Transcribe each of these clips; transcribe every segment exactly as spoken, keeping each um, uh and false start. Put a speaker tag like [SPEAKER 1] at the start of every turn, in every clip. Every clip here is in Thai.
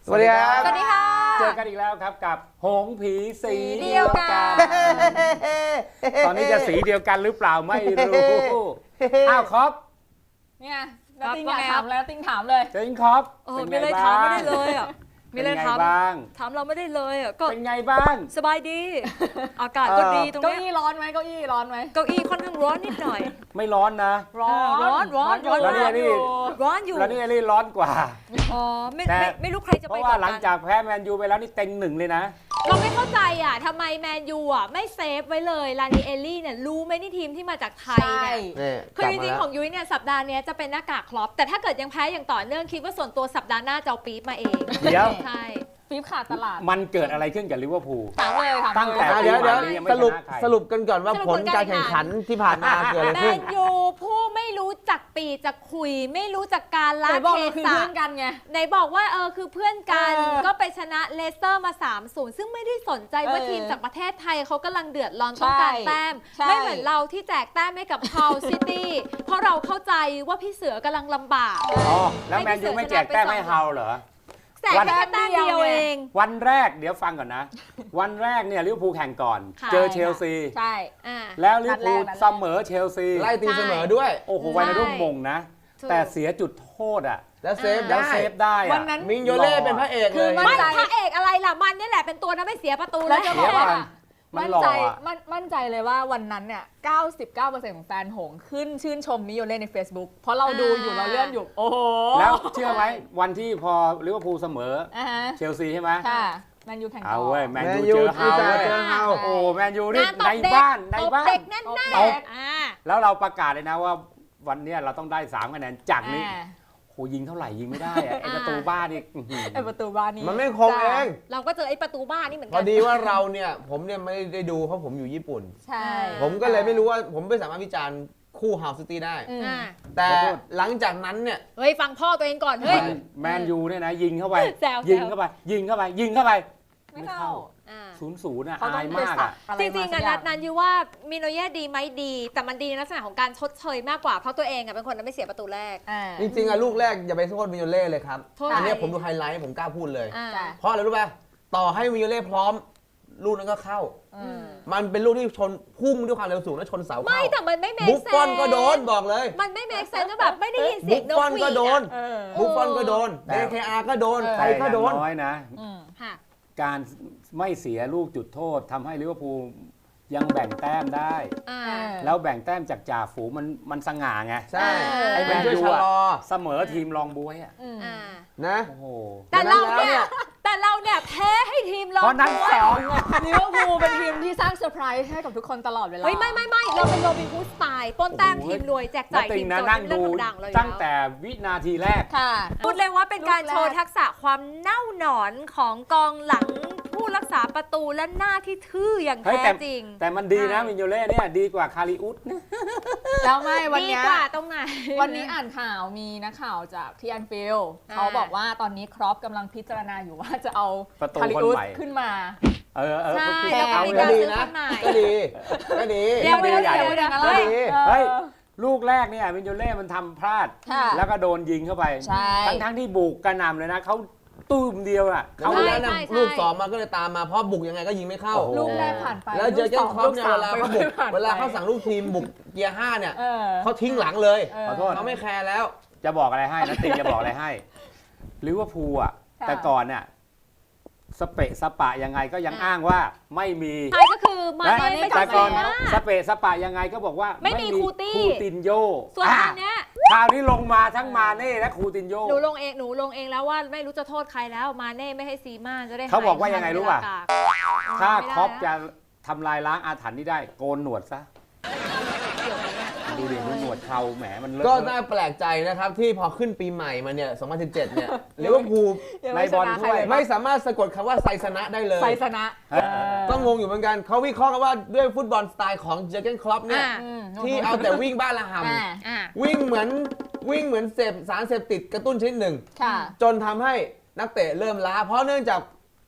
[SPEAKER 1] วัสดีครับ
[SPEAKER 2] สวัสดีค่ะ
[SPEAKER 3] เจอกันอีกแล้วครับกับหงส์ผีสีเดี
[SPEAKER 2] เดี
[SPEAKER 3] ย
[SPEAKER 2] ยว ว
[SPEAKER 3] กั
[SPEAKER 2] กัน น
[SPEAKER 3] ตอนนี้จะสีเดียวกันหรือเปล่าไม่รู้อ้าวครับ
[SPEAKER 2] เนี่ยแล้วติ้งอยากถามแล้วติ้งถามเลย
[SPEAKER 3] เจริงครับ
[SPEAKER 4] เออ
[SPEAKER 3] เป็น
[SPEAKER 4] มี
[SPEAKER 3] ไง
[SPEAKER 4] อะไร
[SPEAKER 3] บ้า
[SPEAKER 4] ถามไม่
[SPEAKER 3] ง
[SPEAKER 4] ได้เลยอ่ะมีอะไร
[SPEAKER 3] เป็นไง
[SPEAKER 4] ถาม
[SPEAKER 3] บ้าง
[SPEAKER 4] ถามเราไม่ได้เลยอ่ะก็
[SPEAKER 3] เป็นไงบ้าง
[SPEAKER 4] สบายดี อากาศก็ดีตรง
[SPEAKER 2] เก้า
[SPEAKER 4] เนี้ย
[SPEAKER 2] อี้ร้อนไหมเก้าอี้ร้อนไหม
[SPEAKER 4] เก้าอี้ค่อนข้างร้อนนิดหน่อย
[SPEAKER 3] ไม่ร้อนนะ
[SPEAKER 2] ร้อน
[SPEAKER 4] ร้อนร้อนร้อน
[SPEAKER 3] แล้วเนี่ยนี่
[SPEAKER 4] ร้อนอยู่
[SPEAKER 3] แล้วนี่ไอ้นี่ร้อนกว่า
[SPEAKER 4] อ๋อไม่
[SPEAKER 3] แต่
[SPEAKER 4] ไม่ไม่รู้ใครจะ
[SPEAKER 3] เพ
[SPEAKER 4] ไป
[SPEAKER 3] ราะ
[SPEAKER 4] ก่
[SPEAKER 3] ว่า
[SPEAKER 4] อน
[SPEAKER 3] หลัง
[SPEAKER 4] กัน
[SPEAKER 3] จากแพ้แมนยูไปแล้วนี่เต็งหนึ่งเลยนะ
[SPEAKER 5] เราไม่เข้าใจอ่ะทำไมแมนยูอ่ะไม่เซฟไว้เลยลานิเอลลี่เนี่ยรู้ไหมนี่ทีมที่มาจากไทย
[SPEAKER 2] ใช่
[SPEAKER 5] เนี่ยคือจริงๆของยุ้ยเนี่ยสัปดาห์นี้จะเป็นหน้ากากครอปแต่ถ้าเกิดยังแพ้อย่างต่อเนื่องคิดว่าส่วนตัวสัปดาห์หน้าจะเอาปี๊บมาเอง
[SPEAKER 3] เดี๋ยว
[SPEAKER 5] ใช่
[SPEAKER 2] ฟีบขาดตลาด
[SPEAKER 3] มันเกิดอะไรขึ้นกับลิเวอร์พูล
[SPEAKER 2] ถามเลยถาม
[SPEAKER 3] ตั้งแต่
[SPEAKER 2] เลย
[SPEAKER 1] เดี๋ยวเดี๋ยว
[SPEAKER 3] ปีใหม่นี้ยังไม่
[SPEAKER 1] สรุป
[SPEAKER 3] ชนะใคร
[SPEAKER 1] สรุปกันก่อนว่าผลการแข่งขันที่ผ่านมาเกิดอะไร
[SPEAKER 5] แม
[SPEAKER 1] ขึ้น
[SPEAKER 5] นยูผู้ไม่รู้จักปีจักคุย ไม่รู้จักการละ
[SPEAKER 2] ไหนบอก
[SPEAKER 5] เท
[SPEAKER 2] เราคือ
[SPEAKER 5] ศะ
[SPEAKER 2] เพื่อนกันไง
[SPEAKER 5] ไหนบอกว่าเออคือเพื่อนกัน
[SPEAKER 2] เออ
[SPEAKER 5] ก็ไปชนะเลสเตอร์มา สามศูนย์ ซึ่งไม่ได้สนใจว่า
[SPEAKER 2] เออ
[SPEAKER 5] ทีมจากประเทศไทยเขากำลังเดือดร้อนต้องการ
[SPEAKER 2] ใช่
[SPEAKER 5] แต้ม
[SPEAKER 2] ใช่
[SPEAKER 5] ไม่เหมือนเราที่แจกแต้มให้กับพาวซิตี้เพราะเราเข้าใจว่าพี่เสือกำลังลำบาก
[SPEAKER 3] อ๋อแล้วแมนยูไม่แจกแต้มให้เฮาเหรอ
[SPEAKER 5] แจกแค่แต้มเดียวเอง
[SPEAKER 3] วันแรกเดี๋ยวฟังก่อนนะ วันแรกเนี่ยลิเวอร์พูลแข่งก่อน
[SPEAKER 5] ค่ะ
[SPEAKER 3] เจอเชลซี
[SPEAKER 2] ใช่
[SPEAKER 5] อ่า
[SPEAKER 3] แล้วลิเวอร์พูล
[SPEAKER 2] นัดแรก
[SPEAKER 3] เสมอเชลซี
[SPEAKER 1] ไล่ตีเสมอด้วย
[SPEAKER 3] โอ้โห
[SPEAKER 5] ใช่
[SPEAKER 3] ไวนาดุมมงนะ
[SPEAKER 5] ถูก
[SPEAKER 3] แต่เสียจุดโทษอ่ะ
[SPEAKER 1] แล้วเซฟ
[SPEAKER 3] แล้ว
[SPEAKER 1] ได้
[SPEAKER 3] เซฟได้อะ
[SPEAKER 2] วันนั้น
[SPEAKER 1] มิงโยเล่เป็นพระเอกเลย
[SPEAKER 2] คือ
[SPEAKER 5] ไม่
[SPEAKER 2] ใจ
[SPEAKER 5] พระเอกอะไรล่ะมันนี่แหละเป็นตัวนั้นไม่เสียประตูเล
[SPEAKER 2] แล้ว
[SPEAKER 5] ย
[SPEAKER 2] จะบ
[SPEAKER 3] เดี๋
[SPEAKER 2] อย ก
[SPEAKER 3] วก่
[SPEAKER 2] ว่า
[SPEAKER 3] อนมัน
[SPEAKER 2] มั่น
[SPEAKER 3] หล่อ
[SPEAKER 2] ใจ
[SPEAKER 3] อะ
[SPEAKER 2] มั่นมั่นใจเลยว่าวันนั้นเนี่ย เก้าสิบเก้าเปอร์เซ็นต์ ของแฟนหงส์ขึ้นชื่นชมมิโยเล่ใน Facebook เพราะเราดูอยู่เราเลื่อนอยู่ โอ้โห
[SPEAKER 3] แล้วเชื่อไหมวันที่พอลิเวอร์พูลเสมอ
[SPEAKER 2] อ่าฮะ
[SPEAKER 3] เชลซีใช่ไหม
[SPEAKER 2] ค่ะแมนยูแข่งต่
[SPEAKER 3] เอา
[SPEAKER 2] อ
[SPEAKER 3] เว้ยแมน
[SPEAKER 1] แมน
[SPEAKER 3] ยู
[SPEAKER 1] ยู
[SPEAKER 3] เจอเฮา
[SPEAKER 1] ที่จะ
[SPEAKER 3] เว้ย
[SPEAKER 1] เจอเฮา
[SPEAKER 3] โอ้แมนยูนี่
[SPEAKER 5] งานตบ
[SPEAKER 3] ใน
[SPEAKER 5] เด็ก
[SPEAKER 3] บ้านใน
[SPEAKER 5] ตบ
[SPEAKER 3] บ้าน
[SPEAKER 5] เด็กแน่น
[SPEAKER 2] ตบ
[SPEAKER 5] ๆ
[SPEAKER 2] เด็ก
[SPEAKER 5] อ่า
[SPEAKER 3] แล้วเราประกาศเลยนะว่าวันเนี้ยเราต้องได้สามคะแนนจากนี้
[SPEAKER 2] อ่า
[SPEAKER 3] โหยิงเท่าไหร่ยิงไม่ได้อะไอประตูบ้านนี่อื้อหือ
[SPEAKER 2] ไอประตูบ้านนี้
[SPEAKER 1] มันไม่คงเอง
[SPEAKER 5] เราก็เจอไอ้ประตูบ้านนี่เหมือน
[SPEAKER 1] พ
[SPEAKER 5] กั
[SPEAKER 1] อดีว่าเราเนี่ยผมเนี่ยไม่ได้ดูเพราะผมอยู่ญี่ปุ่น
[SPEAKER 2] ใช่
[SPEAKER 1] ผมก็เลยไม่รู้ว่าผมไม่สามารถวิจารณ์คู่ฮาวซิตี้ได้
[SPEAKER 2] อืม
[SPEAKER 5] อ่า
[SPEAKER 1] แต่หลังจากนั้นเนี่ย
[SPEAKER 5] เฮ้ยฟังพ่อตัวเองก่อนเฮ้ย
[SPEAKER 3] แมนยูเนี่ยนะยิงเข้าไป
[SPEAKER 5] แซว
[SPEAKER 3] ยิงเข้าไป ยิงเข้าไป ยิงเข้าไป
[SPEAKER 2] ไม่เข้า
[SPEAKER 5] อ่า
[SPEAKER 3] ศูนย์ศูนย์อ่ะ
[SPEAKER 2] เขาต้อ
[SPEAKER 3] อาง ย
[SPEAKER 2] ไป
[SPEAKER 3] มาก
[SPEAKER 2] สั
[SPEAKER 3] อ่ะ
[SPEAKER 2] กอะไร
[SPEAKER 5] จริงๆ
[SPEAKER 2] มา
[SPEAKER 5] อะ
[SPEAKER 2] สักอย่า
[SPEAKER 5] นัดนั้นยูว่ามิโนเย่ดีไหมดี แต่มันดีในลักษณะของการชดเชยมากกว่าเพราะตัวเองอะเป็นคนไม่เสียประตูแรก
[SPEAKER 2] อ่า
[SPEAKER 1] จริงๆอะลูกแรกอย่าไปโทษมิโยเล่เลยครับ
[SPEAKER 5] โทษ
[SPEAKER 1] อันเนี้ย
[SPEAKER 5] ใคร
[SPEAKER 1] ผมดูไฮไลท์ผมกล้าพูดเลย
[SPEAKER 5] อ่า
[SPEAKER 2] จ้ะ
[SPEAKER 1] เพราะอะไรรู้ป่ะต่อให้มิโยเล่พร้อม ลูกนั้นก็เข้า
[SPEAKER 2] อืม
[SPEAKER 1] มันเป็นลูกที่ชนพุ่งด้วยความเร็วสูงแล้วชนเสา
[SPEAKER 5] ไม่
[SPEAKER 1] เข้า
[SPEAKER 5] แต่มันไม่เม
[SPEAKER 1] บุ
[SPEAKER 5] ค
[SPEAKER 1] ฟ
[SPEAKER 5] เซ
[SPEAKER 1] ฟอน
[SPEAKER 5] น
[SPEAKER 1] ก็โดนบอกเลย
[SPEAKER 5] มันไม่เมคเซนก็แบบไม่ได้ยินเสี
[SPEAKER 1] บุ
[SPEAKER 5] ยง
[SPEAKER 1] ฟ
[SPEAKER 5] น
[SPEAKER 1] ฟอก น
[SPEAKER 5] หวี
[SPEAKER 1] ก็
[SPEAKER 5] ด
[SPEAKER 1] โดน
[SPEAKER 5] อะ
[SPEAKER 2] เออ
[SPEAKER 1] บุฟฟอนก็โดน
[SPEAKER 3] แต่
[SPEAKER 1] เด เค อาร์ ก็โดน
[SPEAKER 2] เออ
[SPEAKER 1] ใคร
[SPEAKER 3] แต่อ
[SPEAKER 1] ก็
[SPEAKER 3] ย่าง
[SPEAKER 1] โดน
[SPEAKER 3] น้อยนะ
[SPEAKER 2] อืม
[SPEAKER 5] ค่ะ
[SPEAKER 3] การไม่เสียลูกจุดโทษทำให้ลิเวอร์พูลยังแบ่งแต้มได้
[SPEAKER 5] อ่า
[SPEAKER 3] แล้วแบ่งแต้มจากจ่าฝูงมันมันสง่าไง
[SPEAKER 1] ใช่
[SPEAKER 5] ไอ้
[SPEAKER 1] ไอ้
[SPEAKER 5] แม
[SPEAKER 1] แม
[SPEAKER 5] น
[SPEAKER 1] น
[SPEAKER 3] ยู
[SPEAKER 1] ยู
[SPEAKER 3] อะ
[SPEAKER 1] ชะลอ
[SPEAKER 3] เสมอทีมรองบวยอ่ะ
[SPEAKER 2] อืม
[SPEAKER 5] อ่า
[SPEAKER 1] นะ
[SPEAKER 3] โอ้โห
[SPEAKER 5] แต่เรา
[SPEAKER 1] ดังนั้นแล้วเนี่
[SPEAKER 5] เนี่ย ยแต่เราเนี่ยแพ้ให้ทีมเรา
[SPEAKER 3] เพราะนั้นสองอะ
[SPEAKER 2] ลิเวอร์พูลเป็นทีมที่สร้างเซอร์ไพรส์ให้กับทุกคนตลอดเวลา
[SPEAKER 5] เฮ้ยไม่ไม่ไม่เราเป็นโรบินฮูดสไตล์ปล้นแต้มทีมรวยแจก
[SPEAKER 3] นั
[SPEAKER 5] จ่าย
[SPEAKER 3] ติ
[SPEAKER 5] ที
[SPEAKER 3] ง
[SPEAKER 5] ม
[SPEAKER 3] นะ
[SPEAKER 5] จน
[SPEAKER 3] นั่ง
[SPEAKER 5] เป็นเรื่
[SPEAKER 3] ดู
[SPEAKER 5] องดังเลย
[SPEAKER 3] ตั้งแต่วินาทีแรก
[SPEAKER 2] ค่ะ
[SPEAKER 5] พูดเลยว่าเป็นการ
[SPEAKER 2] ลูกแรก
[SPEAKER 5] โชว์ทักษะความเน่าหนอนของกองหลังผู้รักษาประตูและหน้าที่ทื่ออย่าง
[SPEAKER 3] เฮ้ย
[SPEAKER 5] แท้
[SPEAKER 3] แต่
[SPEAKER 5] จริง
[SPEAKER 3] แต่มันดีนะมินโยเล่เนี่ยดีกว่าคาริอุสนะ
[SPEAKER 2] แล้วไม่วัน
[SPEAKER 5] ดี
[SPEAKER 2] เนี้ย
[SPEAKER 5] กว่าตรงไหน
[SPEAKER 2] วันนี้อ่านข่าวมีนักข่าวจากที่แอนฟิลด์
[SPEAKER 5] อ่า
[SPEAKER 2] เขาบอกว่าตอนนี้ครอปกำลังพิจารณาอยู่ว่าจะเอา
[SPEAKER 3] ประตู
[SPEAKER 2] คาริ
[SPEAKER 3] คน
[SPEAKER 2] อุส
[SPEAKER 3] ใหม่
[SPEAKER 2] ขึ้นมา
[SPEAKER 3] เออเออ
[SPEAKER 5] ใช่
[SPEAKER 3] พี่
[SPEAKER 5] แล้วก็
[SPEAKER 3] เอา
[SPEAKER 5] มี
[SPEAKER 3] เล
[SPEAKER 5] การ
[SPEAKER 3] ย
[SPEAKER 1] ดี
[SPEAKER 5] ซื้อ
[SPEAKER 1] นะ
[SPEAKER 5] คนใหม่
[SPEAKER 1] ก็ดีก็ดี
[SPEAKER 3] เดี๋ยว
[SPEAKER 2] ไม่ได้
[SPEAKER 3] ใหญ่
[SPEAKER 2] เสียไม่ได้อะไร
[SPEAKER 1] เฮ้ย
[SPEAKER 3] เฮ้ย ลูกแรกเนี่ยมินโยเล่มันทำพลาด
[SPEAKER 2] ค่ะ
[SPEAKER 3] แล้วก็โดนยิงเข้าไป
[SPEAKER 2] ใช่
[SPEAKER 3] ทั้งทั้งที่บุกกระหน่ำเลยนะเขาตุ้มเดียวอ่ะ
[SPEAKER 1] เขา
[SPEAKER 3] เขา
[SPEAKER 1] แล้ว
[SPEAKER 5] ใช่
[SPEAKER 1] นะ
[SPEAKER 5] ใช่
[SPEAKER 1] ลูกสองมาก็เลยตามมาเพราะบุกยังไงก็ยิงไม่เข้า
[SPEAKER 3] โอ้โห
[SPEAKER 2] ลูกแรกผ่านไป
[SPEAKER 1] แล้วเจอเจอครอปเนี่ยเวลาเขาบุก
[SPEAKER 2] ผ่นไป
[SPEAKER 1] เวลาเขาสั่งลูกทีมบุกเกียร์ห้าเนี่ย
[SPEAKER 2] เออ
[SPEAKER 1] เขาทิ้งหลังเลย
[SPEAKER 3] ขอโทษ
[SPEAKER 1] เขาไม่แคร์แล้ว
[SPEAKER 3] จะบอกอะไรให้นะติงจะบอกอะไรให้ลิเวอร์พูลอ่ะ
[SPEAKER 2] ค่ะ
[SPEAKER 3] แต่ก่อนเนี่ยสเปะสปะยังไงก็ยัง
[SPEAKER 5] อ่ะ
[SPEAKER 3] อ้างว่าไม่มี
[SPEAKER 5] ใช่ก็คือมา
[SPEAKER 3] และ
[SPEAKER 5] เน่ไม่
[SPEAKER 3] แต่
[SPEAKER 5] จำ
[SPEAKER 3] ก่
[SPEAKER 5] เป็
[SPEAKER 3] อน
[SPEAKER 5] น
[SPEAKER 3] สเปะสปะยังไงก็บอกว่า
[SPEAKER 5] ไม่มีคูตี้
[SPEAKER 3] คูตินโย
[SPEAKER 5] ส่วน
[SPEAKER 3] อ่ะ
[SPEAKER 5] ตอนเนี้ย
[SPEAKER 3] คราวนี้ลงมาทั้งมาเน่และคูตินโย
[SPEAKER 5] หนูลงเองหนูลงเองแล้วว่าไม่รู้จะโทษใครแล้วมาเน่ไม่ให้ซีม่าจะได้
[SPEAKER 3] เขาบอกว่ายังไงรู้ป่ะ
[SPEAKER 5] หายทันเวลากาก
[SPEAKER 3] ถ้า
[SPEAKER 5] ไม่ได้
[SPEAKER 3] ครอป
[SPEAKER 5] นะ
[SPEAKER 3] จะทำลายล้างอาถรรพ์นี้ได้โกนหนวดซะ
[SPEAKER 5] เกี่ยวไหมเนี่ย
[SPEAKER 3] ดูดิดูหนวดเขาแหมมันเลอะ
[SPEAKER 1] ก็
[SPEAKER 3] เท
[SPEAKER 1] น่า
[SPEAKER 3] อะ
[SPEAKER 1] แปลกใจนะครับที่พอขึ้นปีใหม่มาเนี่ยสองพันสิบเจ็ดเนี่ยลิเวอร์พูล
[SPEAKER 2] ยัง
[SPEAKER 3] ใน
[SPEAKER 2] ไม่
[SPEAKER 3] บอล
[SPEAKER 2] ชนะใคร
[SPEAKER 3] ถ้วย
[SPEAKER 2] เลย
[SPEAKER 1] ไม่สามารถสะกดคำว่าไซสนะได้เลย
[SPEAKER 2] ไซสนะ
[SPEAKER 3] เออ
[SPEAKER 2] เออ
[SPEAKER 1] ก็งงอยู่เหมือนกันเขาวิเคราะห์กันว่าด้วยฟุตบอลสไตล์ของเจอร์เกนคล็อปเนี่ย
[SPEAKER 5] อ่ะ
[SPEAKER 2] อืม
[SPEAKER 1] ที่เอาแต่วิ่งบ้านละห
[SPEAKER 2] อ่า
[SPEAKER 5] อ่ะ
[SPEAKER 1] ำวิ่งเหมือนวิ่งเหมือนเสพสารเสพติดกระตุ้นชนิดหนึ่ง
[SPEAKER 2] ค่ะ
[SPEAKER 1] จนทำให้นักเตะเริ่มล้า เพราะเนื่องจาก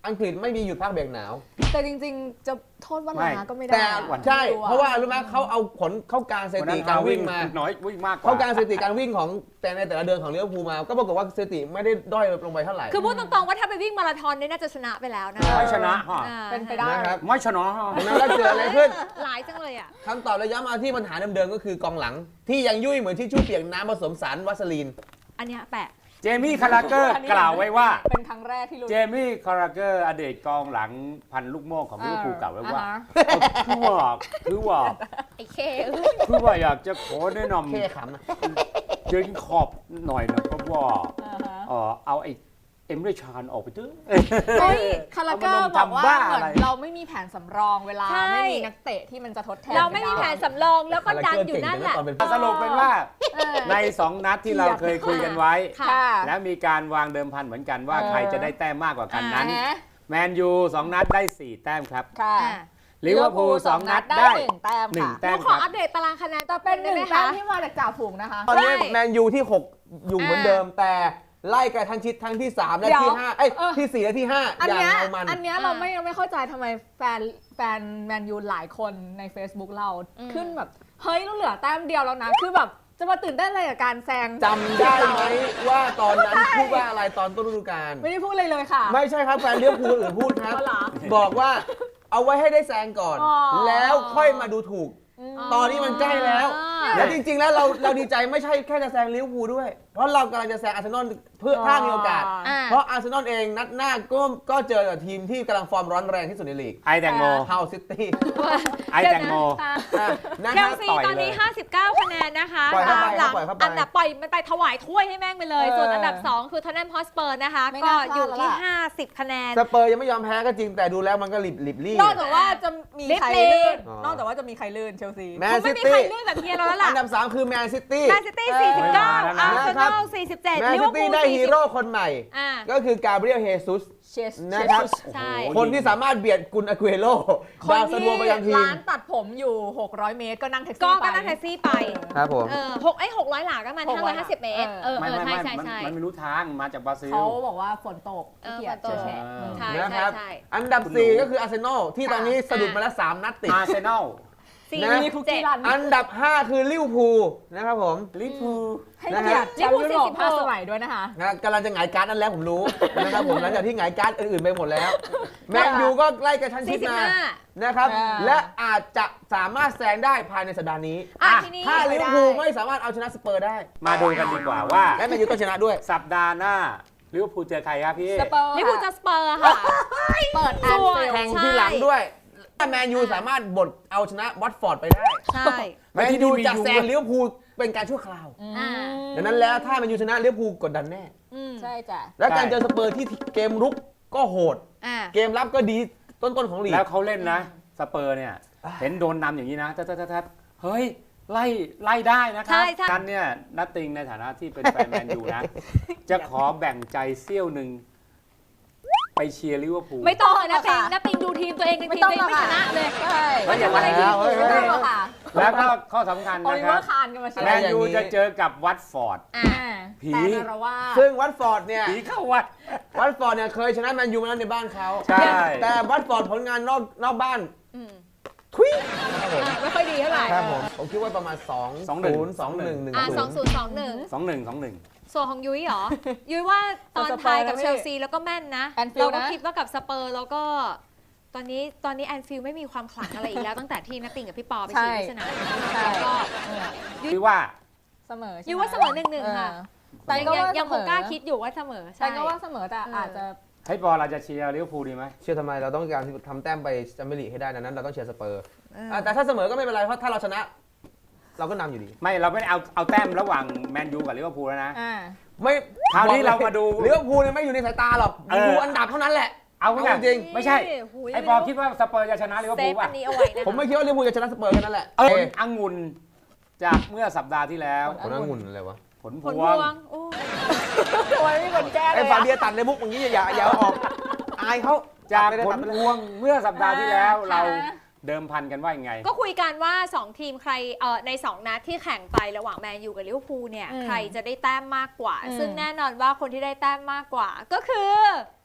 [SPEAKER 1] อังกฤษไม่มีหยุดพักเบรกหนาว
[SPEAKER 2] แต่จริงๆ จะโทษว่าลาก็ไม่ได้
[SPEAKER 1] แต่
[SPEAKER 2] อะ
[SPEAKER 1] ใช่
[SPEAKER 2] ไม่อ
[SPEAKER 1] เพราะว่ารู้ไหมเขาเอาผลเข้าการสถิติการวิ่งมา
[SPEAKER 3] น้อยวิ่งมากกว่า
[SPEAKER 1] เข้าการสถิติการวิ่งของแต่ในแต่ละเดือนของลิเวอร์พูลมา ก็ปรากฏว่าสถิติไม่ได้ด้อยลงไปเท่าไหร่
[SPEAKER 5] คือพูดตรงๆว่าถ้าไปวิ่งมาราธอนเนี่ยน่าจะชนะไปแล้วนะ
[SPEAKER 3] ไม่ชนะฮะ
[SPEAKER 5] อ่า
[SPEAKER 2] เป็นไปได้
[SPEAKER 1] นะครับ
[SPEAKER 3] ไม่ชนะฮะ
[SPEAKER 1] ดังนั้นแล้วเกิดอะไรขึ้น
[SPEAKER 5] หลายจังเลยอ่ะ
[SPEAKER 1] คำตอบระยะมาที่ปัญหาเดิมๆก็คือกองหลัง ที่ยังยุ่ยเหมือนที่ชู่เปียกน้ำผสมสารวัสลีน
[SPEAKER 5] อันเนี้ยแปะ
[SPEAKER 3] เจมี่คาราเกอร์กล่าวไว้ว่า
[SPEAKER 2] เป็นครั้งแรกที่รู้
[SPEAKER 3] เจมี่คาราเกอร์อดีตกองหลังพันลูกโม่ของลิเวอร์พูลกล่าวไว้ว่า
[SPEAKER 2] อ่าฮะ
[SPEAKER 3] คือว่าคือว่า
[SPEAKER 5] ไอ้เค
[SPEAKER 3] คือว่าอยากจะขอแนะน
[SPEAKER 1] แค่ขำนะ
[SPEAKER 3] ำเจนขอบหน่อยนะเพราะว่า
[SPEAKER 2] อ่าฮะ
[SPEAKER 3] เออเอาไอ้เอ็มเรชานออกไปเถอะ
[SPEAKER 2] เฮ้ยคาราเกอร์
[SPEAKER 3] เอามาลง
[SPEAKER 2] บอกว่า
[SPEAKER 3] ทำบ้า
[SPEAKER 2] เหมื
[SPEAKER 3] อะไร
[SPEAKER 2] อนเราไม่มีแผนสำรองเวลา
[SPEAKER 5] ใช่
[SPEAKER 2] ไม่มีนักเตะที่มันจะทดแทน
[SPEAKER 5] เราไม่มีแผนสำรองแล้วก็ดันอยู่นั่นแหละ
[SPEAKER 1] ตอนเป็น
[SPEAKER 3] สรุปเป็นว่า
[SPEAKER 2] เออ
[SPEAKER 3] ในสองนัดที่เราเคยคุยกันไว้
[SPEAKER 5] ค่ะ
[SPEAKER 2] ค่ะ
[SPEAKER 3] และมีการวางเดิมพันเหมือนกันว่า
[SPEAKER 2] เออ
[SPEAKER 3] ใครจะได้แต้มมากกว่ากันนั้น
[SPEAKER 2] อ่าฮะ
[SPEAKER 3] แมนยูสองนัดได้สี่แต้มครับ
[SPEAKER 2] ค่ะ
[SPEAKER 5] อ่า
[SPEAKER 3] ลิเวอร์พูลสองนัดได้
[SPEAKER 2] หนึ่งแต้ม
[SPEAKER 3] หนึ่ง
[SPEAKER 2] ค่ะ
[SPEAKER 3] แต้
[SPEAKER 5] เรา
[SPEAKER 3] ม
[SPEAKER 5] ข
[SPEAKER 3] ค
[SPEAKER 5] อ
[SPEAKER 3] รับ
[SPEAKER 5] อัปเดตตารางคะแนน
[SPEAKER 2] แต่เป็นหนึ่ง
[SPEAKER 5] ได้ไหม
[SPEAKER 2] แต้ม
[SPEAKER 5] คะ
[SPEAKER 2] ที่มาจากจ่าฝูงนะคะ
[SPEAKER 1] ตอนนี้
[SPEAKER 5] ใช่
[SPEAKER 1] แมนยูที่ หก อยู่เหมือนเดิม แต่ไล่กันทั้งชิดทั้งที่ สาม และ
[SPEAKER 2] เดี๋ยว
[SPEAKER 1] ที่ ห้า เอ้ย
[SPEAKER 2] เออ
[SPEAKER 1] ที่ สี่ และที่ ห้า
[SPEAKER 2] อัน
[SPEAKER 1] อย่าง
[SPEAKER 2] เนี้ย
[SPEAKER 1] เอามัน
[SPEAKER 2] อันเนี้ยเราไม่เราไม่เข้าใจทำไมแฟนแฟนแมนยูหลายคนใน Facebook เรา
[SPEAKER 5] อืม
[SPEAKER 2] ขึ้นแบบ เฮ้ยเราเหลือแต้มเดียวแล้วนะ คือแบบจะมาตื่นเต้นอะไรกับการแซง
[SPEAKER 1] จำได้ไหมว่าตอนนั้นพูดว่าอะไรตอนต้นฤดูกาล
[SPEAKER 2] ไม่ได้พูดเลยเลยค่ะ
[SPEAKER 1] ไม่ใช่ครับแฟนเลี้ยวภูลอื่นพูดครับ
[SPEAKER 2] อ๋อเหรอ
[SPEAKER 1] บอกว่าเอาไว้ให้ได้แซงก่อน
[SPEAKER 2] อ๋อ
[SPEAKER 1] แล้วค่อยมาดูถูก
[SPEAKER 2] ม
[SPEAKER 1] ตอนนี้มันใกล้แล้ว
[SPEAKER 5] อ่า
[SPEAKER 1] แล้วจริงๆ แล้วเราเราดีใจไม่ใช่แค่จะแซงลิเวอร์พูลด้วย เพราะเรากำลังจะแซงอาร์เซนอลเพื่อถ้ามีโอกาส
[SPEAKER 5] อ่า
[SPEAKER 1] เพราะอาร์เซนอลเองนัดหน้าก็ก็เจอกับทีมที่กำลังฟอร์มร้อนแรงที่สุดในลีก
[SPEAKER 3] ไอแตงโม
[SPEAKER 1] เฮาซิตี้
[SPEAKER 3] ไอแตงโม
[SPEAKER 1] นะ
[SPEAKER 5] เช
[SPEAKER 1] ครั
[SPEAKER 5] ล
[SPEAKER 1] บ
[SPEAKER 5] ซี
[SPEAKER 3] ต่อย
[SPEAKER 5] ตอนนี้
[SPEAKER 3] เลย
[SPEAKER 5] ห้าสิบเก้า คะแนนนะคะ
[SPEAKER 1] ปล่อยเข้าไป
[SPEAKER 5] ตามหลัง
[SPEAKER 1] ปล่อยเข้าไป
[SPEAKER 5] อันดับปล่อยมันไปถวายถ้วยให้แม่งไปเลย
[SPEAKER 2] เออ
[SPEAKER 5] ส่วนอันดับ สอง คือทอนแนมฮอสเปอร์นะคะ
[SPEAKER 2] ไม่
[SPEAKER 5] ก็
[SPEAKER 2] น่าพลาด
[SPEAKER 5] อยู่ที่
[SPEAKER 2] แล้วล่ะ
[SPEAKER 5] ห้าสิบ คะแนน
[SPEAKER 1] สเปอร์ยังไม่ยอมแพ้ก็จริงแต่ดูแล้วมันก็หลิบหลิบลี่
[SPEAKER 2] นอกจากว่าจะมีใคร
[SPEAKER 5] ลิฟต์
[SPEAKER 2] ลื่น
[SPEAKER 1] อ๋อ
[SPEAKER 2] นอกจากว่าจะมีใครลื่นเชลซี
[SPEAKER 1] แม
[SPEAKER 5] คน ง
[SPEAKER 1] ซิ
[SPEAKER 5] ไม่มีใคร
[SPEAKER 1] ตี้
[SPEAKER 5] ลื่นแบบเฮียเราแล้วล่ะ
[SPEAKER 1] อันดับสามคือแมนซิตี้
[SPEAKER 5] แมนซิตี้ สี่สิบเก้า
[SPEAKER 3] เออ
[SPEAKER 5] อาร์เซ
[SPEAKER 1] นะครั
[SPEAKER 5] น
[SPEAKER 1] บ
[SPEAKER 5] อล สี่สิบเจ็ด
[SPEAKER 1] แมน
[SPEAKER 5] ลิเว
[SPEAKER 1] ซิ
[SPEAKER 5] อร์พู
[SPEAKER 1] ตี้
[SPEAKER 5] ล
[SPEAKER 1] ได้
[SPEAKER 5] สี่
[SPEAKER 1] ฮี
[SPEAKER 5] สิบ
[SPEAKER 1] โร่คนใหม่
[SPEAKER 5] อ่า
[SPEAKER 1] ก็คือกาเบรียลเฮซุส
[SPEAKER 2] เชส
[SPEAKER 1] นะครับ
[SPEAKER 5] ใช่
[SPEAKER 3] โอ้โห
[SPEAKER 1] คนที่สามารถเบียดกุนอากุเอโร่
[SPEAKER 2] คน
[SPEAKER 1] ดาวซัน
[SPEAKER 2] ที่
[SPEAKER 1] โวไปยังทีม
[SPEAKER 2] ร้านตัดผมอยู่ หกร้อย เมตรก็นั่งแท็กซี่
[SPEAKER 5] ก็
[SPEAKER 2] ไป
[SPEAKER 5] ก็นั่งแท็กซี่ไป
[SPEAKER 1] ครับผม
[SPEAKER 5] เออหกไอ้หกร้อยหลาก็มัน
[SPEAKER 2] หก
[SPEAKER 5] ห้า
[SPEAKER 2] ร้
[SPEAKER 5] ร้
[SPEAKER 2] อ
[SPEAKER 5] อย ยห้าสิบเมตร
[SPEAKER 2] เอ
[SPEAKER 5] เอ
[SPEAKER 2] อ
[SPEAKER 5] อ
[SPEAKER 3] ไม่
[SPEAKER 5] เออ
[SPEAKER 3] ไม่
[SPEAKER 5] ใช่
[SPEAKER 3] ไม่
[SPEAKER 5] ใช่
[SPEAKER 3] มัน
[SPEAKER 5] ใช่
[SPEAKER 3] มันไม่รู้ทางมาจากบราซิล
[SPEAKER 2] เขาบอกว่าฝนตก
[SPEAKER 5] เออ
[SPEAKER 2] ขี้เกียจ
[SPEAKER 5] ฝนตก
[SPEAKER 2] เฉย
[SPEAKER 3] เออ
[SPEAKER 2] ๆ
[SPEAKER 5] ใช่
[SPEAKER 1] นะครับ
[SPEAKER 5] ใช่
[SPEAKER 1] อันดับ สี่ ก็คืออาร์เซนอลที่ตอนนี้สะดุดมาแล้วสามนัดติด
[SPEAKER 3] อาร์เซนอล
[SPEAKER 5] สี่
[SPEAKER 1] นะ
[SPEAKER 5] สิบเจ็ด
[SPEAKER 1] อันดับ ห้า คือลิเวอร์พูลนะครับผม
[SPEAKER 3] ลิเวอร์พูล
[SPEAKER 2] ให้เกียรติแชมป์ยุโรป
[SPEAKER 5] ลิเวอร์พูลสี่สิบหก
[SPEAKER 2] ห้าสมัยด้วยนะคะ
[SPEAKER 1] นะกำลังจะหงายการ์ดนั่นแล้วผมรู้ นะครับผมหลังจากที่หงายการ์ดอื่นๆไปหมดแล้ว แมนยูก็ไล่กระชั้นชิดมา
[SPEAKER 5] สี่สิบห้า
[SPEAKER 1] นะครับ
[SPEAKER 2] อ่า
[SPEAKER 1] และอาจจะสามารถแซงได้ภายในสัปดาห์นี้
[SPEAKER 5] อ่ะ
[SPEAKER 3] อ่ะ
[SPEAKER 5] ทีนี้
[SPEAKER 1] ถ้าลิเวอร์พูลไม่สามารถเอาชนะสเปอร์ได้
[SPEAKER 3] มาดูกันดีกว่าว่า
[SPEAKER 1] และแมนยูก็ชนะด้วย
[SPEAKER 3] สัปดาห์หน้าลิเวอร์พูลเจอใครครับพี่
[SPEAKER 2] สเปอร์
[SPEAKER 5] ลิเวอร์พูลจะสเปอร์ค่ะ
[SPEAKER 2] เปิดแอน
[SPEAKER 5] ส่วน
[SPEAKER 2] ฟิล
[SPEAKER 1] แข่ง
[SPEAKER 2] ด์
[SPEAKER 5] ใช่
[SPEAKER 1] ที่หลังด้วยถ้าแมนยูสามารถบดเอาชนะวัตฟอร์ดไปได้
[SPEAKER 5] ใช่
[SPEAKER 1] แมนยูจะแซงลิเวอร์พูลเป็นการชั่วคราว
[SPEAKER 5] อ่า
[SPEAKER 1] ดังนั้นแล้วถ้าแมนยูชนะลิเวอร์พูลกดดันแน่
[SPEAKER 5] อืม
[SPEAKER 2] ใช่จ้ะ
[SPEAKER 1] และการเจอสเปอร์ที่เกมรุกก็โหด
[SPEAKER 5] อ่า
[SPEAKER 1] เกมรับก็ดีต้นๆของลีก
[SPEAKER 3] แล้วเขาเล่นนะ สเปอร์เนี่ย เห็นโดนนำอย่างนี้นะทัดทัดทัดเฮ้ย ไล่ไล่ได้นะครั
[SPEAKER 5] ใช่
[SPEAKER 3] บ
[SPEAKER 5] ใช่
[SPEAKER 3] กันเนี่ยนัตติงในฐานะที่เป็นแฟนแมนยูนะ จะขอแบ่งใจเสี้ยวหนึ่งไปเชียร์ลิเวอร์พูล
[SPEAKER 5] ไม่ต้องเลยนะ
[SPEAKER 2] ไม่ต้
[SPEAKER 5] ติ
[SPEAKER 2] อง ง
[SPEAKER 5] นะติงดูทีมตัวเองใน
[SPEAKER 2] ไม่
[SPEAKER 5] ทีม
[SPEAKER 2] ต้อ
[SPEAKER 5] ตั
[SPEAKER 2] ง
[SPEAKER 5] วเอง
[SPEAKER 2] หรอก
[SPEAKER 5] ไม่ช
[SPEAKER 2] ค่ะ
[SPEAKER 5] นะเลย
[SPEAKER 2] ใช่
[SPEAKER 3] ไม่อย่างนั้น
[SPEAKER 1] แล้วเฮ้ย
[SPEAKER 2] ไม่ต้องหรอกค่ะ
[SPEAKER 3] แล้วก็ข้อสำคัญ
[SPEAKER 2] โอ
[SPEAKER 3] นะ
[SPEAKER 2] ลิ
[SPEAKER 3] ค
[SPEAKER 2] เวอ
[SPEAKER 3] รับ
[SPEAKER 2] ร์คานกันมาเชีย
[SPEAKER 3] แม
[SPEAKER 2] ร์
[SPEAKER 3] นยูจะเจอกับวัตฟอร์ด
[SPEAKER 5] อ่า
[SPEAKER 2] อ่า
[SPEAKER 3] ผี
[SPEAKER 2] แต่นารว่าส
[SPEAKER 1] ซึ่งวัตฟอร์ดเนี่ย
[SPEAKER 3] ผีเข้าวัด
[SPEAKER 1] วัตฟอร์ดเนี่ยเคยชนะแมนยูมาแล้วในบ้านเขา
[SPEAKER 3] ใช่
[SPEAKER 1] แต่วัตฟอร์ดผลงานนอกนอกบ้าน
[SPEAKER 5] อืม
[SPEAKER 1] ทุยครับผม
[SPEAKER 2] ไม่ค่อยดีเท่าไหร่
[SPEAKER 1] ครับผมผมคิดว่าประมาณสอง
[SPEAKER 3] สองหนึ่ง
[SPEAKER 1] ศูนย์สองหนึ่งหนึ่ง
[SPEAKER 5] อ่าส
[SPEAKER 1] ศู
[SPEAKER 5] อง
[SPEAKER 1] นย์
[SPEAKER 5] ศูนย์สองหนึ่ง
[SPEAKER 3] สองหนึ่งสองหนึ่ง
[SPEAKER 5] ส่วนของยุ้ยเหรอ ยุ้ยว่าตอนทายกับเชลซีแล้วก็แม่นนะ
[SPEAKER 2] แอนฟิลด์
[SPEAKER 5] เราก็
[SPEAKER 2] นะ
[SPEAKER 5] คิดว่ากับสเปอร์แล้วก็ ตอนนี้ตอนนี้แอนฟิลด์ไม่มีความขลังอะไรอีกแล้ว ตั้งแต่ที่นัตติงกับพี่ปอไปชี้ที่สนาม
[SPEAKER 2] ใช่
[SPEAKER 5] แล้วก็
[SPEAKER 3] คือว่า
[SPEAKER 2] เสมอใช่ไหม
[SPEAKER 5] ยุ้ยว่าเสมอหนึ่งหนึ่งค่ะ
[SPEAKER 2] เออแต่
[SPEAKER 5] ยัง
[SPEAKER 2] ก็
[SPEAKER 5] ยัง
[SPEAKER 2] ว่า
[SPEAKER 5] ยังคง
[SPEAKER 2] เสมอ
[SPEAKER 5] กล้าคิดอยู่ว่าเสมอ
[SPEAKER 2] แต่
[SPEAKER 5] ใช่
[SPEAKER 2] ก็ว่าเสมอแต่
[SPEAKER 5] เอออ
[SPEAKER 2] อาจจะ
[SPEAKER 3] ให้บอลเราจะเชียร์ลิเวอร์พูลดีไหม
[SPEAKER 1] เชื่อทำไมเราต้องการทำแต้มไปแชมเปี้ยนลีกให้ได้ดังนั้นเราต้องเชียร์สเปอร์
[SPEAKER 5] เออ
[SPEAKER 1] อ่ะแต่ถ้าเสมอก็ไม่เป็นไรเพราะถ้าเราชนะ เราก็นำอยู่ดี
[SPEAKER 3] ไม่เราไม่ได้เอาเอาแต้มระหว่างแมนยูกับลิเวอร์พูลแล้วนะ
[SPEAKER 2] อ่า
[SPEAKER 1] ไม่
[SPEAKER 3] คราวนี้เรามาดู
[SPEAKER 1] ลิเวอร์พูลเนี่ยไม่อยู่ในสายตาหรอก
[SPEAKER 3] เออ
[SPEAKER 1] ดูอันดับเท่านั้นแหละ
[SPEAKER 3] เอา
[SPEAKER 1] เอา
[SPEAKER 3] ไง
[SPEAKER 1] จริง
[SPEAKER 3] ไม่ใช่
[SPEAKER 5] หูย
[SPEAKER 3] ไอ้ปอคิดว่าสเปอร์จะชนะลิเวอร์
[SPEAKER 5] เซ
[SPEAKER 3] พู
[SPEAKER 5] ฟ
[SPEAKER 3] ลป่ะ
[SPEAKER 5] อันนี้เอาไว้นะ
[SPEAKER 1] ผมไม่คิดว่าลิเวอร์พูลจะชนะสเปอร์แค่นั้นแหละ
[SPEAKER 3] เออ
[SPEAKER 1] เอ
[SPEAKER 3] องุ่นจากเมื่อสัปดาห์ที่แล้ว
[SPEAKER 1] ผลองุ่นอะไรวะ
[SPEAKER 3] ผลพ
[SPEAKER 5] ผล
[SPEAKER 3] ว
[SPEAKER 5] พ
[SPEAKER 3] ง
[SPEAKER 5] วงโอ้
[SPEAKER 2] ทำไมไม่มีคนแก้เล
[SPEAKER 1] ไอ้
[SPEAKER 2] ย
[SPEAKER 1] ฟา
[SPEAKER 2] อะ
[SPEAKER 1] เบียตัดในมุกอย่างนี้อย่าอย่าเอาออกอายเขา
[SPEAKER 3] จาก
[SPEAKER 1] ตัดไปเลย
[SPEAKER 3] ผ
[SPEAKER 1] ตั
[SPEAKER 3] ล
[SPEAKER 1] ดไปเลย
[SPEAKER 3] พวงเมื่อสัปดาห์ที่แล้ว
[SPEAKER 2] ค่ะ
[SPEAKER 3] เราเดิมพันกันว่ายังไง
[SPEAKER 5] ก็คุยกันว่าสองทีมใครเอ่อในสองนัดที่แข่งไประหว่างแมนยูกับลิเวอร์พูลเนี่ย
[SPEAKER 2] อืม
[SPEAKER 5] ใครจะได้แต้มมากกว่า
[SPEAKER 2] อืม
[SPEAKER 5] ซึ่งแน่นอนว่าคนที่ได้แต้มมากกว่า ก็คือ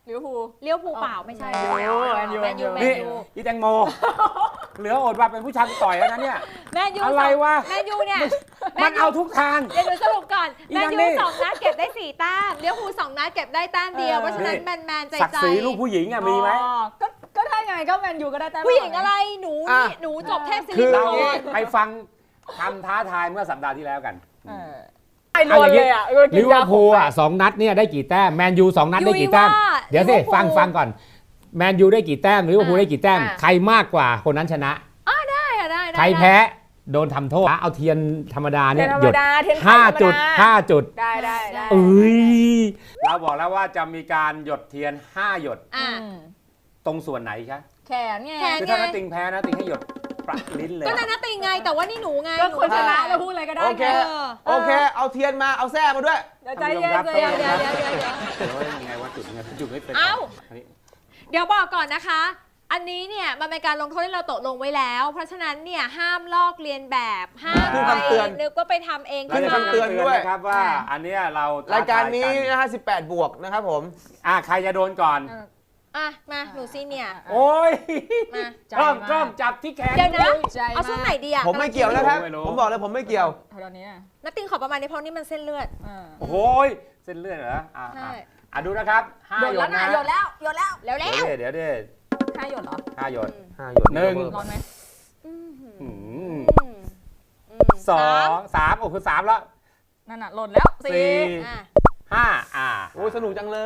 [SPEAKER 2] ลิเวอร์พูล
[SPEAKER 5] เลี้ยวภูลเปล่าไม่ใช่
[SPEAKER 2] แมนยูแมนยู
[SPEAKER 5] แมนยูแม
[SPEAKER 3] นี่
[SPEAKER 5] นยู
[SPEAKER 3] อีแตงโม เหลืออดว่าเป็นผู้ชายต่อยแล้วนะเนี่ย
[SPEAKER 5] แมนยู
[SPEAKER 3] อะไรวะ
[SPEAKER 5] แมนยูเนี่ย
[SPEAKER 3] มันเอาทุกทาง
[SPEAKER 5] เดี๋ยวหนูสรุปก่อน
[SPEAKER 3] อี
[SPEAKER 5] แมน
[SPEAKER 3] นั่น
[SPEAKER 5] ยู
[SPEAKER 3] นี่
[SPEAKER 5] สองนัดเก็บได้สี่แต้มเลี้ยวภูลสองนัดเก็บได้แต้มเดียว
[SPEAKER 2] เออ
[SPEAKER 5] เพราะฉะนั้นแมนแมนๆใจ
[SPEAKER 3] ศัก
[SPEAKER 5] ใจ
[SPEAKER 3] ดิ์ศรีลูกผู้หญิงอะมีไหม
[SPEAKER 2] อ๋อก็ก็ได้ไงก็แมนยูก็ได้แต้ม
[SPEAKER 5] ผู้หญิงอะไรหนู
[SPEAKER 1] อ่ะ
[SPEAKER 5] นี่หนูจบเทพศิ
[SPEAKER 1] คื
[SPEAKER 5] ริ
[SPEAKER 1] อ
[SPEAKER 5] พ
[SPEAKER 3] เรา
[SPEAKER 5] ร
[SPEAKER 3] ไปฟังคำท้าทายเมื่อสัปดาห์ที่แล้วกัน
[SPEAKER 2] เออไอ้รวนเลยอ่ะ
[SPEAKER 3] ลิเวอร์พูลอ่ะสองนัดเนี่ยได้กี่แต้มแมนยูสองนัดได้กี่แต้ม เดี๋ยวสิฟังฟังก่อนแมนยูได้กี่แต้มลิเวอร์พูลได้กี่แต้ม ใครมากกว่าคนนั้นชนะ
[SPEAKER 5] ได้อะได้ได้
[SPEAKER 3] ใครแพ้โดนทำโทษเอาเทียนธรรมดา
[SPEAKER 2] เที
[SPEAKER 3] เนี่ย ย
[SPEAKER 2] นธร
[SPEAKER 3] ห
[SPEAKER 2] ร
[SPEAKER 3] ย
[SPEAKER 2] ม
[SPEAKER 3] ด
[SPEAKER 2] ดาเทียนไข่
[SPEAKER 3] ห้า
[SPEAKER 2] ธรรม
[SPEAKER 3] จุด
[SPEAKER 2] ดา
[SPEAKER 3] ห้าจุด
[SPEAKER 2] ได้ได้ได้
[SPEAKER 3] เอ้ยเราบอกแล้วว่าจะมีการหยดเทียนห้าหยด
[SPEAKER 5] อ่ะ
[SPEAKER 2] อืม
[SPEAKER 3] ตรงส่วนไหนคะ
[SPEAKER 2] แขนไง
[SPEAKER 5] แขน
[SPEAKER 3] คือถ้านัดติงแพ้นะติงให้หยดประลิ้นเลย
[SPEAKER 5] ก็นั่นนะติงไงแต่ว่านี่หนูไง
[SPEAKER 2] ก็คน
[SPEAKER 5] ห
[SPEAKER 2] ชนะ
[SPEAKER 5] ไง
[SPEAKER 2] จะพูดอะไรก็ได้
[SPEAKER 1] โอเค
[SPEAKER 2] ไง
[SPEAKER 5] เออ
[SPEAKER 1] โอเค เอาเทียนมาเอาแส้มาด้วย
[SPEAKER 2] เดี๋ยวใจเย็นใจ
[SPEAKER 5] เดี๋ยว
[SPEAKER 2] เย็น
[SPEAKER 5] เดี๋ยวเดี๋ยวเดี๋ยวเดี๋ยว
[SPEAKER 3] เดี๋ยวยังไงว่าจุดไงจุดไม่เป็น
[SPEAKER 5] เอ้า
[SPEAKER 3] อันนี้
[SPEAKER 5] เดี๋ยวบอกก่อนนะคะ อันนี้เนี่ยมันเป็นการลงโทษที่เราตกลงไว้แล้ว เพราะฉะนั้นเนี่ยห้ามลอกเลียนแบบห้าม
[SPEAKER 1] คือ
[SPEAKER 5] ไป
[SPEAKER 1] คำเตือน
[SPEAKER 5] นึกว่าไปทำเอง
[SPEAKER 3] เรา
[SPEAKER 5] ขึ้น
[SPEAKER 3] จะ
[SPEAKER 5] มา
[SPEAKER 1] คำเตือนด้วย
[SPEAKER 3] นะครับว่าอันเนี้ยเราท้
[SPEAKER 1] รายการนี้
[SPEAKER 3] ทย
[SPEAKER 1] นะฮะสิบแปดบวกนะครับผม
[SPEAKER 3] อ่ะใครจะโดนก่อน
[SPEAKER 5] อ่ะมาหนูซีเนี่ย
[SPEAKER 3] โอ้ย
[SPEAKER 5] มา
[SPEAKER 2] ใจ
[SPEAKER 3] กล้อง
[SPEAKER 2] มาก
[SPEAKER 3] กล้องจับที่แขน
[SPEAKER 5] เดี๋ยวนะ
[SPEAKER 2] ใจ
[SPEAKER 5] เอาช่วงไหนดีอ่ะ
[SPEAKER 1] ผมไม่เกี่ยวนะครับ
[SPEAKER 3] ไม่รู้
[SPEAKER 1] ผมบอกเลยผมไม่เกี่ยว
[SPEAKER 2] ตอนนี้อ่ะ
[SPEAKER 5] นัตติงขอประมาณนี้เพราะนี่มันเส้นเลือด
[SPEAKER 2] อ่า
[SPEAKER 3] โอ้โหยเส้นเลือดเหรออ่ะ
[SPEAKER 5] ใช่
[SPEAKER 3] อ่ะอ่ะดูนะครับห้า
[SPEAKER 2] หยด
[SPEAKER 3] หย
[SPEAKER 2] แล้
[SPEAKER 3] ด
[SPEAKER 2] ว
[SPEAKER 3] นะ
[SPEAKER 2] นะหยดแล้วหยดแล้ว
[SPEAKER 5] แล้วแล้
[SPEAKER 3] เดี๋ยว
[SPEAKER 5] ว
[SPEAKER 3] ดิเดี๋ยวดิ
[SPEAKER 2] ห้าหยดเหรอ
[SPEAKER 3] ห้าหยด
[SPEAKER 1] ห้าหยด
[SPEAKER 3] หนึ่ง
[SPEAKER 2] ร้อนไหม
[SPEAKER 5] อืมอืม
[SPEAKER 3] อืม
[SPEAKER 5] อืมอืม
[SPEAKER 3] สองสามโอ้คือสามแล้ว
[SPEAKER 2] นั่นน่ะหล่นแล้วสี่
[SPEAKER 3] สี่
[SPEAKER 5] อ่ะ
[SPEAKER 3] ห้าอ่า
[SPEAKER 1] โอ้ยสนุกจังเลย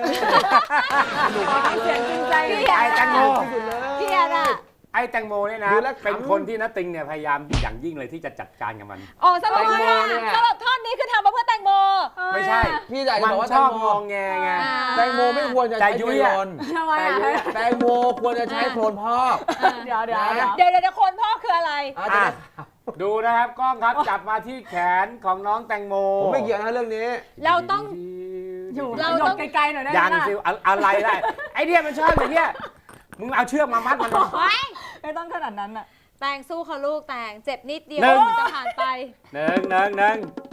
[SPEAKER 2] เสียงจริงใจ
[SPEAKER 5] พี่
[SPEAKER 3] ไอ้แตงโม
[SPEAKER 1] สุดเลย
[SPEAKER 5] พี่อะน่ะ
[SPEAKER 3] ไอ้แตงโมเนี่ยนะ
[SPEAKER 1] ดูแล้วขำ
[SPEAKER 3] เป็นคนที่นัตติงเนี่ยพยายามอย่างยิ่งเลยที่จะจัดการกับมัน
[SPEAKER 5] โอ้สรุป
[SPEAKER 1] แตงโม
[SPEAKER 5] ว่า
[SPEAKER 1] เนี่ย
[SPEAKER 5] สรุปท่อนนี้คือทำมาเพื่อแตงโม
[SPEAKER 3] ไม่ใช่
[SPEAKER 1] พี่อยากจะ
[SPEAKER 3] มัน
[SPEAKER 1] บอกว่า
[SPEAKER 3] ช
[SPEAKER 1] แต
[SPEAKER 3] อง บ
[SPEAKER 1] โม
[SPEAKER 3] งองแงไง
[SPEAKER 5] อ่า
[SPEAKER 1] แตงโมไม่ควรจะ
[SPEAKER 3] แต่
[SPEAKER 1] ใช้
[SPEAKER 3] ยุ้
[SPEAKER 1] เที
[SPEAKER 3] ย
[SPEAKER 1] ยน
[SPEAKER 3] อะ
[SPEAKER 1] รน
[SPEAKER 2] ทำไม
[SPEAKER 3] แต่
[SPEAKER 2] อ่ะ
[SPEAKER 3] ยุ้ยอะ
[SPEAKER 1] แตงโมควรจะใช้โคลนพอก
[SPEAKER 2] เดี๋ยวเดี๋ยวเดี๋ยว
[SPEAKER 5] เดี๋ยวเดี๋ยวเดี๋ยวคนพ่อคืออะไร
[SPEAKER 1] อาจ
[SPEAKER 3] อ่ะ
[SPEAKER 1] จะ
[SPEAKER 3] ดูนะครับกล้องครับจับมาที่แขนของน้องแตงโม
[SPEAKER 1] ผมไม่เกี่ยวนะเรื่องนี้
[SPEAKER 5] เราต้อง
[SPEAKER 2] อยู่
[SPEAKER 5] เรา
[SPEAKER 2] หย
[SPEAKER 5] ต้อ
[SPEAKER 2] ด
[SPEAKER 5] ง
[SPEAKER 2] ไกลๆหน่อยได้ไหม
[SPEAKER 3] ยัง
[SPEAKER 2] ล่ะ
[SPEAKER 3] สิอะอะไรได้ไอ้เนี่ยมันชอบอย่างเงี้ยมึงเอาเชือกมามัดมันเลย
[SPEAKER 5] ไว้
[SPEAKER 2] ไม่ต้องขนาดนั้นอ่ะ
[SPEAKER 5] แตงสู้เขาลูกแตงเจ็บนิดเดียว
[SPEAKER 3] หนึ่ง
[SPEAKER 5] จะผ่านไป
[SPEAKER 3] หนึ่งหนึ่งหนึ่ง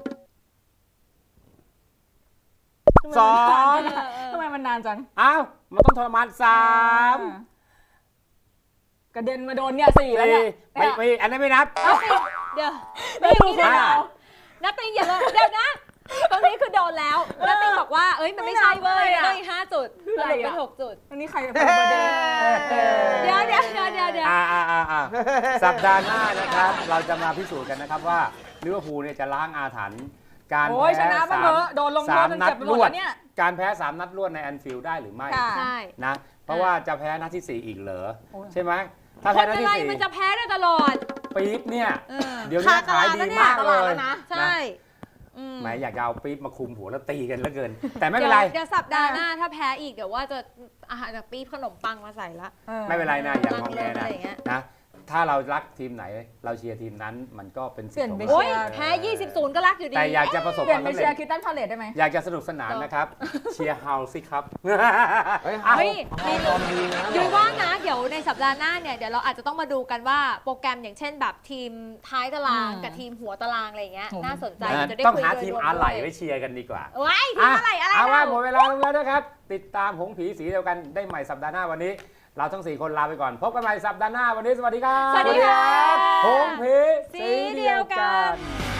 [SPEAKER 3] สอง
[SPEAKER 5] เออเออ
[SPEAKER 2] ทำไมมันนานจัง
[SPEAKER 3] อ้าวมันต้องทรมานสาม
[SPEAKER 2] กระเด็นมาโดนเนี่ยสี่แล้ว
[SPEAKER 3] สี่
[SPEAKER 2] เนี่ย
[SPEAKER 3] ไม่ไม่อันนั้นไม่นับ
[SPEAKER 5] เอาสิเดี๋ยว
[SPEAKER 2] ไม่รู้
[SPEAKER 5] นี่
[SPEAKER 3] ห้า
[SPEAKER 5] นัตติงอย่าเลยเดี๋ยวนะ ตรงนี้คือโดนแล้วนัตติงบอกว่าเอ้ยมันไม่ใช่เว้ยต้องอีกห้าจุดสรุปเป็นหกจุด
[SPEAKER 2] อันนี้ใครเป็นประเด็น
[SPEAKER 5] เดี๋ยวเดี๋ยวเดี๋ยวเดี๋ยวเดี๋ยว
[SPEAKER 3] อ่าอ่าอ่าอ่าสัปดาห์หน้านะครับ เราจะมาพิสูจน์กันนะครับว่าลิเวอร์พูลเนี่ยจะล้างอาถรรพ์การ
[SPEAKER 2] โอ้ยช
[SPEAKER 3] แพ้
[SPEAKER 2] นะมา
[SPEAKER 3] สา
[SPEAKER 2] เถ
[SPEAKER 3] ม
[SPEAKER 2] อะโดนลงโท
[SPEAKER 3] สา
[SPEAKER 2] ษ
[SPEAKER 3] ม
[SPEAKER 2] จน
[SPEAKER 3] นัด
[SPEAKER 2] เจ็บไปห
[SPEAKER 3] ร
[SPEAKER 2] มด
[SPEAKER 3] วด
[SPEAKER 2] แล้วเนี่ย
[SPEAKER 3] การแพ้สามนัดรวดในแอนฟิลด์ได้หรือไม่
[SPEAKER 2] ค่ะ
[SPEAKER 5] ใช่
[SPEAKER 3] นะเพราะว่าจะแพ้นัดที่สี่อีกเหรอ
[SPEAKER 2] โอ้ย
[SPEAKER 3] ใช่ไหมถ้า
[SPEAKER 5] ค
[SPEAKER 3] แพ้
[SPEAKER 5] น
[SPEAKER 3] นัด
[SPEAKER 5] อะ
[SPEAKER 3] ที่
[SPEAKER 5] ไร
[SPEAKER 3] สี่
[SPEAKER 5] มันจะแพ้ได้ตลอด
[SPEAKER 3] ปี๊บเนี่ย
[SPEAKER 5] เออ
[SPEAKER 3] เดี๋ยวนี้ขายดีมากเลย
[SPEAKER 5] ใช่อืม
[SPEAKER 3] แหมอยากจะเอาปี๊บมาคุมหัวแล้วตีกันเหลือเกิน แต่ไม่เป็นไร
[SPEAKER 5] ดี๋ยวเดี๋ยวสัปดาห์หน้าถ้าแพ้อีกเดี๋ยวว่าจะอาหารจากปี๊บขนมปังมาใส่ละ
[SPEAKER 3] ไม่เป็นไรนะอย่างง
[SPEAKER 5] นั่
[SPEAKER 3] อง แง
[SPEAKER 5] เล่นอะ
[SPEAKER 3] นะ
[SPEAKER 5] ไรอย่างเงี้ย
[SPEAKER 3] นะถ้าเรารักทีมไหนเราเชียร์ทีมนั้นมันก็เป็นสิทธิ์ของ
[SPEAKER 2] เปลี่ยนไป
[SPEAKER 3] เรา
[SPEAKER 5] โอ้ยแพ้ยี่สิบศูนย์ก็รักอยู่ดี
[SPEAKER 3] แต่อยากจะประสบ
[SPEAKER 2] เป
[SPEAKER 3] ค
[SPEAKER 2] ลี่ย
[SPEAKER 3] วาน ม
[SPEAKER 2] ไป
[SPEAKER 3] สำ
[SPEAKER 2] เชีย
[SPEAKER 3] เร็จ
[SPEAKER 2] ร์คิตตันพาเลตได้ไหม
[SPEAKER 3] อยากจะสนุกสนานนะครับ เชียร์เฮาสิครับ
[SPEAKER 1] เฮ้ย
[SPEAKER 3] อ่ะ
[SPEAKER 5] เฮ้ย
[SPEAKER 1] มีฟอร์มดีนะ
[SPEAKER 5] ยุ้ยว่านะเดี๋ยวในสัปดาห์หน้าเนี่ยเดี๋ยวเราอาจจะต้องมาดูกันว่าโปรแกรมอย่างเช่นแบบทีมท้ายตาราง
[SPEAKER 2] อืม
[SPEAKER 5] กับทีมหัวตารางอะไรอย่างเงี้ย
[SPEAKER 2] อืม
[SPEAKER 5] น่าสนใจ
[SPEAKER 3] นะ
[SPEAKER 5] จะได้
[SPEAKER 3] ต้อง
[SPEAKER 5] คุย
[SPEAKER 3] หา
[SPEAKER 5] โดย
[SPEAKER 3] ทีม
[SPEAKER 5] รว
[SPEAKER 3] อะไหล่
[SPEAKER 5] ด้วย
[SPEAKER 3] ไว้เชียร์กันดีกว่า
[SPEAKER 5] ว้ายทีมอะไรอะไร
[SPEAKER 3] เอาว่า
[SPEAKER 5] เรา
[SPEAKER 3] หมดเวลาลงแล้วนะครับ ติดตามหงผีสีเดียวกันได้ใหม่สัปดาห์หน้าวันนี้ เราทั้งสี่คนลาไปก่อน พบกันใหม่สัปดาห์หน้าวันนี้สวัสดีครับ
[SPEAKER 5] สวัสดีครับ
[SPEAKER 3] หงผี
[SPEAKER 5] สีเดียวกัน